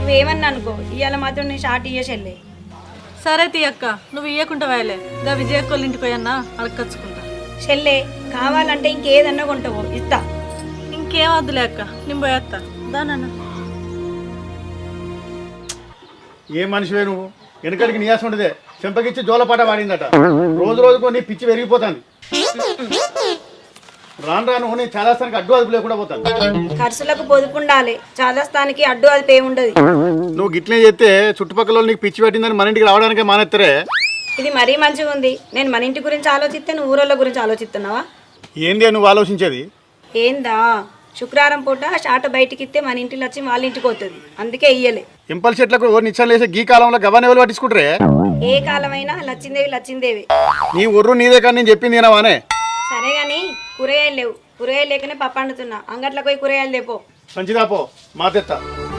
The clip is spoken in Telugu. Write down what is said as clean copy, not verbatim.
నువ్వేమన్నా అనుకో ఇవాళ మాత్రం నేను షార్ట్ ఇయ్యేసెళ్ళే. సరే తీయక్క, నువ్వు ఇయ్యకుంటా వేయలే గా విజయక్కోళ్ళ ఇంటికి పోయన్నా అడగచ్చుకుంటా. చెల్లే కావాలంటే ఇంకేదన్నా కొంటావో ఇస్తా. ఇంకేం వద్దులే అక్క, నేను పోయేస్తా దానన్నా. ఏ మనిషివే నువ్వు? వెనకడికి నీయాసం ఉండదే, చెంపకిచ్చి జోలపాట వాడిందట. రోజు రోజుకో నీ పిచ్చి పెరిగిపోతాను. రాను రాను నేను చాలాస్తానికి అడ్డు అదుపు లేకుండా పోతాను. ఖర్చులకు పొదుపు ఉండాలి, చాదస్తానికి అడ్డు అది పే ఉండదు. నువ్వు గిట్లే చేస్తే చుట్టుపక్కల నీకు పిచ్చి పెట్టిందని మన ఇంటికి రావడానికే మానేస్తారే. ఇది మరీ మంచిగా ఉంది. నేను మన ఇంటి గురించి ఆలోచిస్తే నువ్వు ఊరోళ్ళ గురించి ఆలోచిస్తున్నావా? ఏంది నువ్వు ఆలోచించేది? ఏందా, శుక్రవారం పూట షార్ట్ బయటికి ఇస్తే మన ఇంటికి వచ్చి వాళ్ళ ఇంటికి పోతుంది, అందుకే ఇయ్యలే. ఎంపల్ చెట్లకు ఎవరు నిచ్చాలు వేసే గీ కాలంలో గవ్వని ఎవరు పట్టించుకుంటారే? ఏ కాలమైనా లచ్చిందేవి లచ్చిందేవి. నీ ఒర్రు నీదే కానీ నేను చెప్పింది ఏనావానే. సరే గాని కూరగాయలు లేవు, కూరగాయలు లేకనే పప్పు వండుతున్నా. అంగట్లోకి పోయి కూరగాయలు తెపో. మంచిదా పో, మా తెత్తా.